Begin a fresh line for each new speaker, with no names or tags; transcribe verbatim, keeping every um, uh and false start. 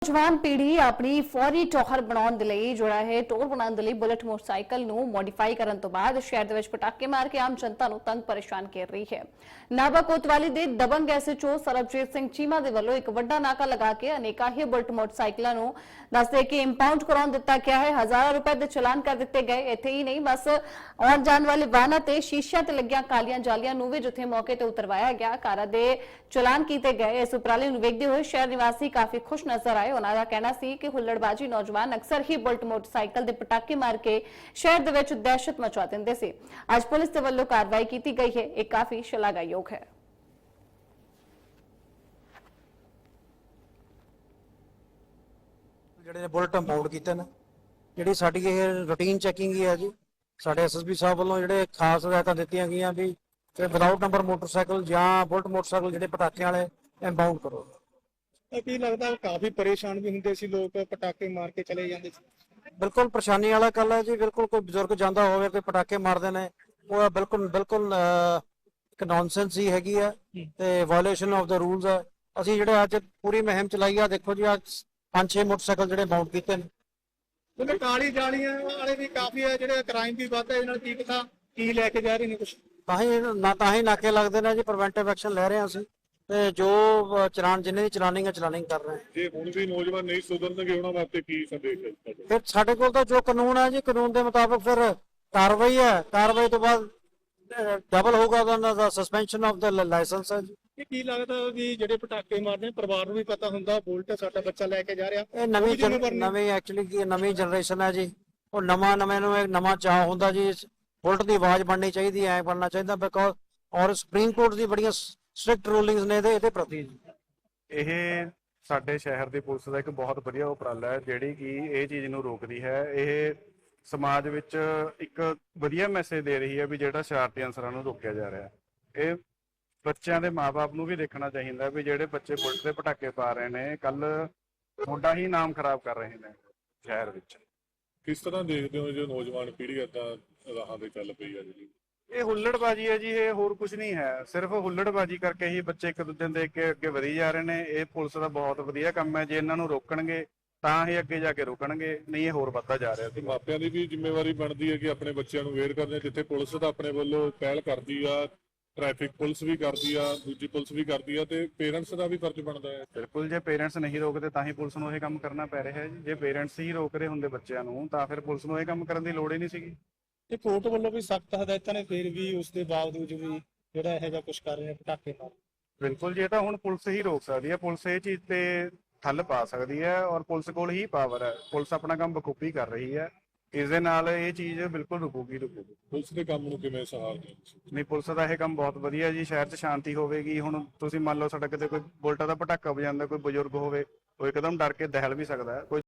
नौजवान पीढ़ी अपनी फौरी टौहर बनाने ਦੇ ਲਈ ਜਿਹੜਾ ਹੈ ਟੌਰ ਬਣਾਉਣ ਦੇ ਲਈ ਬੁਲਟ ਮੋਟਰਸਾਈਕਲ ਨੂੰ ਮੋਡੀਫਾਈ ਕਰਨ ਤੋਂ ਬਾਅਦ ਸ਼ਹਿਰ ਦੇ ਵਿੱਚ ਪਟਾਕੇ ਮਾਰ ਕੇ ਆਮ ਜਨਤਾ ਨੂੰ ਤੰਗ ਪਰੇਸ਼ਾਨ ਕਰ ਰਹੀ ਹੈ। ਨਾਭਾ ਕੋਤਵਾਲੀ ਦੇ ਦਬੰਗ ਐਸਐਚਓ ਸਰਬਜੀਤ ਸਿੰਘ ਚੀਮਾ ਦੇ ਵੱਲੋਂ ਇੱਕ ਵੱਡਾ ਨਾਕਾ ਲਗਾ ਕੇ ਅਨੇਕਾਂ ਹੀ ਬੁਲਟ ਮੋਟਰਸਾਈਕਲਾਂ ਨੂੰ ਦੱਸਦੇ ਕਿ ਇੰਪਾਊਂਡ ਕਰਾਉਣ ਦਿੱਤਾ ਗਿਆ ਹੈ। ਹਜ਼ਾਰਾਂ ਰੁਪਏ ਦੇ ਚਲਾਨ ਕਰ ਦਿੱਤੇ ਗਏ। ਇੱਥੇ ਹੀ ਨਹੀਂ ਬਸ ਆਉਣ ਜਾਣ ਵਾਲੇ ਵਾਹਨਾਂ ਤੇ ਸ਼ੀਸ਼ਿਆਂ ਤੇ ਲੱਗੀਆਂ ਕਾਲੀਆਂ ਜਾਲੀਆਂ ਨੂੰ ਵੀ ਜਿੱਥੇ ਮੌਕੇ ਤੇ ਉਤਰਵਾਇਆ ਗਿਆ ਕਾਰਾਂ ਦੇ ਚਲਾਨ ਕੀਤੇ ਗਏ। ਇਸ ਉਪਰਾਲੇ ਨੂੰ ਵੇਖਦੇ ਹੋਏ ਸ਼ਹਿਰ ਨਿਵਾਸੀ ਕਾਫੀ ਖੁਸ਼ ਨਜ਼ਰ ਆਏ। ਉਹਨਾਂ ਦਾ ਕਹਿਣਾ ਸੀ ਕਿ ਹੁੱਲੜਬਾਜੀ ਨੌਜਵਾਨ ਅਕਸਰ ਹੀ ਬੁਲਟ ਮੋਟਰਸਾਈਕਲ ਦੇ ਪਟਾਕੇ ਮਾਰ ਕੇ ਸ਼ਹਿਰ ਦੇ ਵਿੱਚ ਦਹਿਸ਼ਤ ਮਚਾ ਦਿੰਦੇ ਸੀ। ਅੱਜ ਪੁਲਿਸ ਦੇ ਵੱਲੋਂ ਕਾਰਵਾਈ ਕੀਤੀ ਗਈ ਹੈ। ਇਹ ਕਾਫੀ ਸ਼ਲਾਘਾਯੋਗ ਹੈ।
ਜਿਹੜੇ ਬੁਲਟ ਇੰਪਾਊਂਡ ਕੀਤੇ ਨੇ, ਜਿਹੜੀ ਸਾਡੀ ਇਹ ਰੂਟੀਨ ਚੈਕਿੰਗ ਹੀ ਹੈ ਜੀ। ਸਾਡੇ ਐਸਐਸਪੀ ਸਾਹਿਬ ਵੱਲੋਂ ਜਿਹੜੇ ਖਾਸ ਹਦਾਇਤਾਂ ਦਿੱਤੀਆਂ ਗਈਆਂ ਵੀ ਤੇ ਵਿਦਆਊਟ ਨੰਬਰ ਮੋਟਰਸਾਈਕਲ ਜਾਂ ਬੁਲਟ ਮੋਟਰਸਾਈਕਲ ਜਿਹੜੇ ਪਟਾਕਿਆਂ ਵਾਲੇ ਇੰਪਾਊਂਡ ਕਰੋ।
ਕੀ ਲੱਗਦਾ ਕਾਫੀ ਪਰੇਸ਼ਾਨ ਵੀ ਹੁੰਦੇ ਸੀ ਲੋਕ, ਪਟਾਕੇ ਮਾਰ ਕੇ ਚਲੇ ਜਾਂਦੇ ਸੀ।
ਬਿਲਕੁਲ ਪਰੇਸ਼ਾਨੀ ਵਾਲਾ ਗੱਲ ਹੈ ਜੀ। ਬਿਲਕੁਲ ਕੋਈ ਬਜ਼ੁਰਗ ਜਾਂਦਾ ਹੋਵੇ ਕੋਈ ਪਟਾਕੇ ਮਾਰਦੇ ਨੇ, ਉਹ ਬਿਲਕੁਲ ਬਿਲਕੁਲ ਇੱਕ ਨੌਨਸੈਂਸ ਹੀ ਹੈਗੀ ਹੈ ਤੇ ਵਾਇਓਲੇਸ਼ਨ ਆਫ ਦਾ ਰੂਲਸ ਹੈ। ਅਸੀਂ ਜਿਹੜੇ ਅੱਜ ਪੂਰੀ ਮੁਹਿੰਮ ਚਲਾਈ ਆ, ਦੇਖੋ ਜੀ ਅੱਜ ਪੰਜ ਛੇ ਮੋਟਰਸਾਈਕਲ ਜਿਹੜੇ ਮਾਊਂਟ ਕੀਤੇ ਨੇ।
ਉਹਨੇ ਕਾਲੀ ਜਾਲੀਆਂ ਵਾਲੇ ਵੀ ਕਾਫੀ ਹੈ, ਜਿਹੜੇ ਕ੍ਰਾਈਮ ਵੀ ਵੱਧਦਾ। ਇਹਨਾਂ ਨਾਲ ਕੀ ਪਤਾ ਕੀ ਲੈ ਕੇ ਜਾ ਰਹੇ ਨੇ ਕੁਝ,
ਤਾਂ ਹੀ ਨਾ ਤਾਂ ਹੀ ਨਾਕੇ ਲੱਗਦੇ ਨੇ ਜੀ। ਪ੍ਰੀਵੈਂਟਿਵ ਐਕਸ਼ਨ ਲੈ ਰਹੇ ਹਾਂ ਅਸੀਂ ਤੇ ਜੋ ਚਲਾਨ ਜਿੰਨੇ ਦੀ ਚਲਾਨਿੰਗ ਹੈ ਚਲਾਨਿੰਗ ਕਰ ਰਹੇ ਹਾਂ।
ਜੇ ਹੁਣ ਵੀ ਨੌਜਵਾਨ ਨਹੀਂ ਸੁਧਰਨਗੇ ਉਹਨਾਂ ਵਾਸਤੇ ਕੀ ਸੰਦੇਸ਼ ਹੈ?
ਫਿਰ ਸਾਡੇ ਕੋਲ ਤਾਂ ਜੋ ਕਾਨੂੰਨ ਹੈ ਜੀ, ਕਾਨੂੰਨ ਦੇ ਮੁਤਾਬਕ ਫਿਰ ਕਾਰਵਾਈ ਹੈ। ਕਾਰਵਾਈ ਤੋਂ ਬਾਅਦ ਡਬਲ ਹੋਊਗਾ ਉਹਨਾਂ ਦਾ ਸਸਪੈਂਸ਼ਨ ਆਫ ਦਾ ਲਾਇਸੈਂਸ ਹੈ ਜੀ।
ਇਹ ਕੀ ਲੱਗਦਾ ਵੀ ਜਿਹੜੇ ਪਟਾਕੇ ਮਾਰਦੇ ਪਰਿਵਾਰ ਨੂੰ ਵੀ ਪਤਾ ਹੁੰਦਾ ਬੁਲਟ ਸਾਡਾ ਬੱਚਾ ਲੈ ਕੇ ਜਾ ਰਿਹਾ।
ਇਹ ਨਵੀਂ ਨਵੀਂ ਐਕਚੁਅਲੀ ਕੀ ਨਵੀਂ ਜਨਰੇਸ਼ਨ ਹੈ ਜੀ। ਉਹ ਨਵਾਂ ਨਵੇਂ ਨੂੰ ਇੱਕ ਨਵਾਂ ਚਾਹ ਹੁੰਦਾ ਜੀ। ਬੁਲਟ ਦੀ ਆਵਾਜ਼ ਬਣਨੀ ਚਾਹੀਦੀ ਹੈ, ਐ ਬਣਨਾ ਚਾਹੀਦਾ ਬਿਕੋਜ਼ ਔਰ ਸੁਪਰੀਮ ਕੋਰਟ ਦੀ ਬੜੀਆਂ ਸਟ੍ਰਿਕਟ ਰੂਲਿੰਗਸ ਨੇ ਇਹਦੇ ਇਹਦੇ ਪ੍ਰਤੀ।
ਇਹ ਸਾਡੇ ਸ਼ਹਿਰ ਦੀ ਪੁਲਿਸ ਦਾ ਇੱਕ ਬਹੁਤ ਵਧੀਆ ਉਪਰਾਲਾ ਹੈ ਜਿਹੜੀ ਕਿ ਇਹ ਚੀਜ਼ ਨੂੰ ਰੋਕਦੀ ਹੈ। ਇਹ ਸਮਾਜ ਵਿੱਚ ਇੱਕ ਵਧੀਆ ਮੈਸੇਜ ਦੇ ਰਹੀ ਹੈ ਵੀ ਜਿਹੜਾ ਸ਼ਰਾਰਤੀ ਅਨਸਰਾਂ ਨੂੰ ਰੋਕਿਆ ਜਾ ਰਿਹਾ ਹੈ। ਇਹ ਬੱਚਿਆਂ ਦੇ ਮਾਪੇ ਨੂੰ ਵੀ ਦੇਖਣਾ ਚਾਹੀਦਾ ਵੀ ਜਿਹੜੇ ਬੱਚੇ ਬੁਲਟ ਦੇ ਪਟਾਕੇ ਪਾ ਰਹੇ ਨੇ ਕੱਲ ਮੁੰਡਾ ਹੀ ਨਾਮ ਖਰਾਬ ਕਰ ਰਹੇ ਨੇ ਸ਼ਹਿਰ ਵਿੱਚ।
ਕਿਸ ਤਰ੍ਹਾਂ ਦੇਖਦੇ ਹੋ ਜੋ ਨੌਜਵਾਨ ਪੀੜ੍ਹੀ ਏਦਾਂ ਰਾਹਾਂ ਤੇ ਚੱਲ ਪਈ ਹੈ ਜੀ?
ਇਹ ਹੁੱਲੜਬਾਜੀ ਹੈ ਜੀ, ਇਹ ਹੋਰ ਕੁਝ ਨਹੀਂ ਹੈ। ਸਿਰਫ ਹੁੱਲੜਬਾਜੀ ਕਰਕੇ ਹੀ ਬੱਚੇ ਇੱਕ ਦੂਜੇ ਨੂੰ ਦੇਖ ਕੇ ਅੱਗੇ ਵਧੀ ਜਾ ਰਹੇ ਨੇ। ਇਹ ਪੁਲਿਸ ਦਾ ਬਹੁਤ ਵਧੀਆ ਕੰਮ ਹੈ। ਜੇ ਇਹਨਾਂ ਨੂੰ ਰੋਕਣਗੇ ਤਾਂ ਹੀ ਅੱਗੇ ਜਾ ਕੇ ਰੁਕਣਗੇ, ਨਹੀਂ ਇਹ ਹੋਰ ਵੱਧਦਾ ਜਾ ਰਿਹਾ।
ਤੇ ਮਾਪਿਆਂ ਦੀ ਵੀ ਜ਼ਿੰਮੇਵਾਰੀ ਬਣਦੀ ਹੈ ਕਿ ਆਪਣੇ ਬੱਚਿਆਂ ਨੂੰ ਅਵੇਅਰ ਕਰਦੇ। ਜਿੱਥੇ ਪੁਲਿਸ ਦਾ ਆਪਣੇ ਵੱਲੋਂ ਪਹਿਲ ਕਰਦੀ ਆ, ਟ੍ਰੈਫਿਕ ਪੁਲਿਸ ਵੀ ਕਰਦੀ ਆ, ਦੂਜੀ ਪੁਲਿਸ ਵੀ ਕਰਦੀ ਆ, ਤੇ ਪੇਰੈਂਟਸ ਦਾ ਵੀ ਫਰਜ਼ ਬਣਦਾ ਹੈ।
ਬਿਲਕੁਲ, ਜੇ ਪੇਰੈਂਟਸ ਨਹੀਂ ਰੋਕਦੇ ਤਾਂ ਹੀ ਪੁਲਿਸ ਨੂੰ ਇਹ ਕੰਮ ਕਰਨਾ ਪੈ ਰਿਹਾ ਹੈ ਜੀ। ਜੇ ਪੇਰੈਂਟਸ ਹੀ ਰੋਕ ਰਹੇ ਹੁੰਦੇ ਬੱਚਿਆਂ ਨੂੰ ਤਾਂ ਫਿਰ ਪੁਲਿਸ ਨੂੰ ਇਹ ਕੰਮ ਕਰਨ ਦੀ ਲੋੜ ਹੀ ਨਹੀਂ ਸੀਗੀ।
ਤੇ ਕੋਰਟ ਵੱਲੋਂ ਵੀ ਸਖਤ ਹਦਾਇਤਾਂ ਨੇ, ਫਿਰ ਵੀ ਉਸ ਦੇ ਬਾਵਜੂਦ ਵੀ ਜਿਹੜਾ ਇਹੋ ਜਿਹਾ ਕੁਝ ਕਰ ਰਹੇ ਨੇ ਪਟਾਕੇ ਮਾਰ।
ਬਿਲਕੁਲ, ਜੇ ਤਾਂ ਹੁਣ ਪੁਲਿਸ ਹੀ ਰੋਕ ਸਕਦੀ ਹੈ, ਪੁਲਿਸ ਇਹ ਚੀਜ਼ ਤੇ ਠੱਲ ਪਾ ਸਕਦੀ ਹੈ ਔਰ ਪੁਲਿਸ ਕੋਲ ਹੀ ਪਾਵਰ ਹੈ। ਪੁਲਿਸ ਆਪਣਾ ਕੰਮ ਬਖੂਬੀ ਕਰ ਰਹੀ ਹੈ। ਇਸ ਦੇ ਨਾਲ ਇਹ ਚੀਜ਼ ਬਿਲਕੁਲ ਰੁਕੂਗੀ ਰੁਕੂਗੀ
ਪੁਲਿਸ ਦੇ ਕੰਮ ਨੂੰ ਕਿਵੇਂ ਸਹਾਰਦੇ ਹੋ?
ਨਹੀਂ, ਪੁਲਿਸ ਦਾ ਇਹ ਕੰਮ ਬਹੁਤ ਵਧੀਆ ਜੀ। ਸ਼ਹਿਰ 'ਚ ਸ਼ਾਂਤੀ ਹੋਵੇਗੀ। ਹੁਣ ਤੁਸੀਂ ਮੰਨ ਲਓ ਸਾਡਾ ਕਿਤੇ ਕੋਈ ਬੁਲਟਾਂ ਦਾ ਪਟਾਕਾ ਵਜਾਉਂਦਾ, ਕੋਈ ਬਜ਼ੁਰਗ ਹੋਵੇ, ਉਹ ਇੱਕਦਮ ਡਰ ਕੇ ਦਹਿਲ ਵੀ ਸਕਦਾ ਹੈ। ਕੋਈ